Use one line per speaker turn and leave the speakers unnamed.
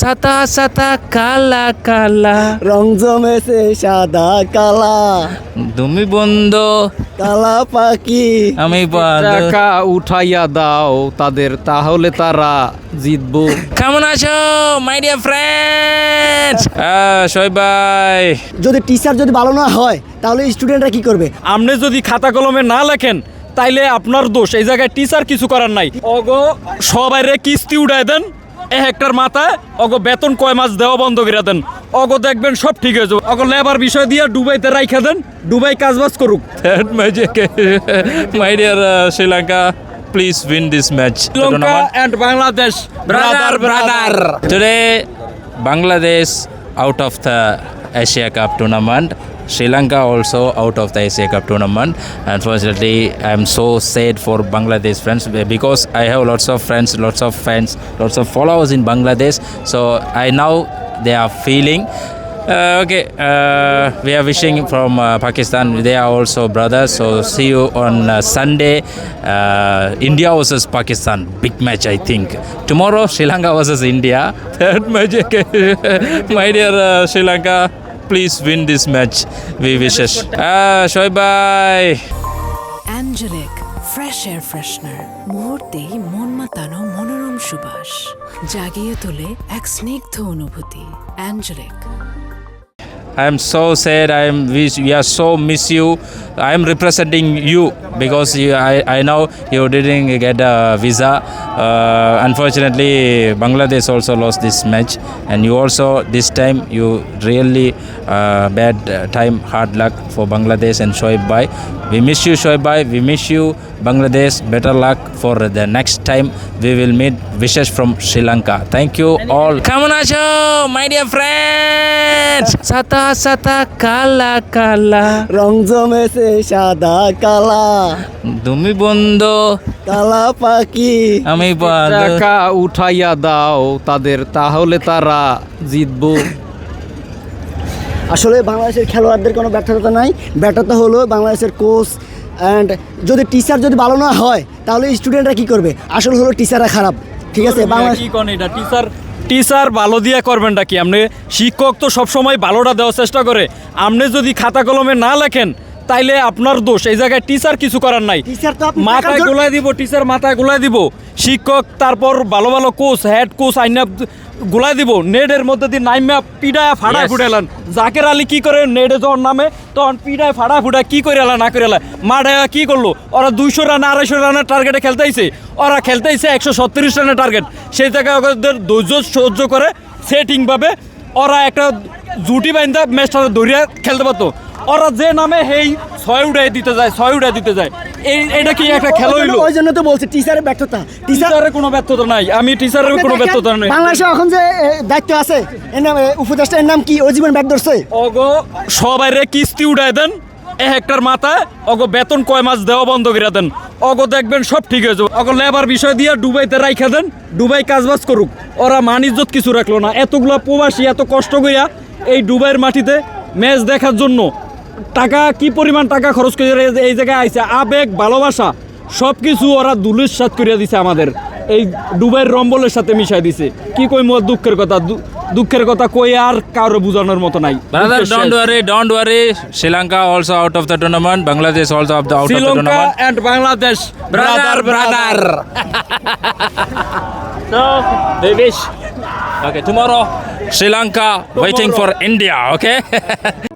সাদা সাদা কালা কালা
রং জমেছে সাদা কালা
তুমি বন্ধু
কালা পাখি
আমি
টাকা উঠাইয়া দাও তাদের, তাহলে তারা জিতবো।
কেমন আছো মাই ডিয়ার ফ্রেন্ডস? শোয়েব ভাই,
যদি টিচার যদি ভালো না হয় তাহলে স্টুডেন্টরা কি করবে?
আপনি যদি খাতা কলমে না লেখেন তাইলে আপনার দোষ, এই জায়গায় টিচার কিছু করার নাই। অগো সবাই রে কিস্তি উঠায় দেন, একটার মাথায় অগো বেতন কয় মাস দেওয়া বন্ধ করে দেন, অগো দেখবেন সব ঠিক হয়ে যাবে। অগো লেবার বিষয় দিয়ে দুবাইতে রাইখা দেন, দুবাই কাজবাজ করুক।
that magic. My dear Sri Lanka, please win this match.
Sri Lanka and Bangladesh brother.
Today, Bangladesh out of the Asia Cup tournament. Sri Lanka also out of the Asia Cup tournament. Unfortunately, I am so sad for Bangladesh friends because I have lots of friends, lots of fans, lots of followers in Bangladesh. So I know they are feeling. We are wishing from Pakistan. They are also brothers. So see you on Sunday. India versus Pakistan, big match I think. Tomorrow Sri Lanka versus India. That magic. My dear Sri Lanka, please win this match. We wishes. Shoaib bhai.
Angelic fresh air freshener, মুহূর্তেই মন মাতানো মনোরম সুবাস, জাগিয়ে তোলে এক স্নিগ্ধ অনুভূতি। অ্যাঞ্জেলিক।
I am so sad. We are so miss you. I am representing you because I know you didn't get a visa. Unfortunately, Bangladesh also lost this match, and you also this time you really bad time, hard luck for Bangladesh and Shoaib bhai. We miss you, Shoaib bhai. We miss you, Bangladesh. Better luck for the next time we will meet. Wishes from Sri Lanka. Thank you all. Come on, my dear friends. Sata sata kala kala.
রং জমেছে সাদা কালা
তুমি বন্ধু
কালা পাখি
আমি
টাকা উঠাইয়া দাও তাদের, তাহলে তারা জিতবো।
আসলে বাংলাদেশের খেলোয়াড়দের কোনো ব্যর্থতা নাই, ব্যর্থতা হলো বাংলাদেশের কোচ অ্যান্ড যদি টিচার যদি ভালো না হয় তাহলে স্টুডেন্টরা কি করবে? আসলে হলো টিচাররা খারাপ, ঠিক আছে? বাংলাদেশ
কি কোন এটা টিচার ভালো দিয়া করবেনটা কি? আপনি শিক্ষক তো সবসময় ভালোটা দেওয়ার চেষ্টা করে, আপনি যদি খাতা কলমে না লেখেন তাইলে আপনার দোষ, এই জায়গায় টিচার কিছু করার নাই।
টিচার তো আপনি
মাথায় গোলায় দিব, টিচার মাথায় গোলায় দিব, শিক্ষক তারপর ভালো ভালো কোচ হেড কোচ আইনা গোলায় দিব, নেটের মধ্যে দিয়ে নাইমা পিডায় ফাড়ায় ফুটাইলেন। জাকের আলী কি করে নেটে যখন নামে তখন পিডায় ফাড়া ফুটায় কি করে এলা না করে এলা মাঠে কি করলো? ওরা 200 রান 250 রানের টার্গেটে খেলতেইছে, ওরা খেলতেইছে 137 রানের টার্গেট। সেই জায়গায় ওদের ধৈর্য সহ্য করে সেটিংভাবে ওরা একটা জুটি বাইন্দা ম্যাচটা ধরিয়া খেলতে পারতো। ওরা যে নামে হেই 6 উড়াই দিতে যায়, এটা কি একটা খেলা হইলো?
ওই জন্য তো বলছি টিচারের ব্যর্থতা।
টিচারের কোনো ব্যর্থতা নাই, আমি টিচারের কোনো ব্যর্থতা নাই।
বাংলাদেশে এখন যে দায়িত্ব আছে এর নাম উপদেষ্টা, এর নাম কি? ও জীবন ব্যাগ ধরছে।
অগো সবাই রে কিস্তি উঠায় দেন, একটার মাথায় অগো বেতন কয় মাস দেওয়া বন্ধ করে দেন, অগো দেখবেন সব ঠিক হয়ে যাবে। অগো লেবার বিষয় দিয়ে দুবাইতে রাইখা দেন, দুবাই কাজবাজ করুক। ওরা মান ইজ্জত কিছু রাখলো না, এতগুলা প্রবাসী এত কষ্ট করিয়া এই দুবাইয়ের মাটিতে ম্যাচ দেখার জন্য টাকা কি পরিমাণ টাকা খরচ করে এই জায়গায় আইছে, আবেগ ভালোবাসা সব কিছু ওরা দুলিশ সাত করিয়া দিছে, আমাদের এই দুবাইয়ের রম্বলের সাথে মিশাই দিছে। কি কই মোর দুঃখের কথা কই আর কারো বোঝানোর মতো নাই।
Brother, don't worry. Sri Lanka also out of the tournament. Bangladesh also out of the
Sri Lanka
tournament.
and Bangladesh
brother. So they wish. Okay, tomorrow Sri Lanka waiting for India. Okay.